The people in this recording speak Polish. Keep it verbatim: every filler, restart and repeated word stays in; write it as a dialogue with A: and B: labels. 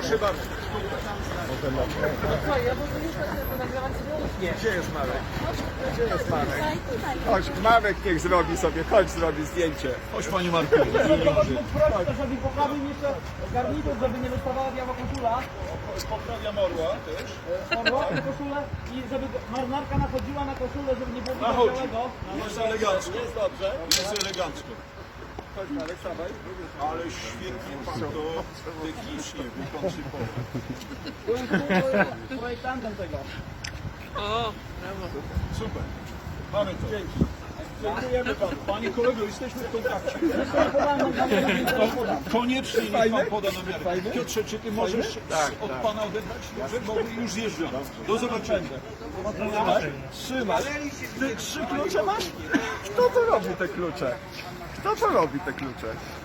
A: Proszę bardzo.
B: Co, ja mogę już nagrywać nie.
A: Gdzie jest Marek? Gdzie jest Marek? Chodź, Marek niech zrobi sobie, chodź zrobi zdjęcie. Chodź Panie Marku.
B: Proszę, żeby poprawił jeszcze garnitur, żeby nie wystawała biała koszula.
A: Poprawiam orła też.
B: Orła, koszulę i żeby marynarka nachodziła na koszulę, żeby nie było widać
A: Nachodzi.
B: białego.
A: Jest elegancko. Jest dobrze. Jest elegancko. Chodź Marek, stawaj. Ale świetnie Pan to technicznie wykoncypował.
B: Byłem projektantem tego.
A: Super. Mamy to. Dzięki. Dziękujemy Panu. Panie kolego, jesteśmy w kontakcie. Koniecznie niech Pan poda namiary. Piotrze, czy Ty możesz od Pana odebrać? Może, bo już zjeżdżam. Do zobaczenia. Trzymaj. Ty trzy klucze masz? Kto to robi te klucze? Kto to robi te klucze?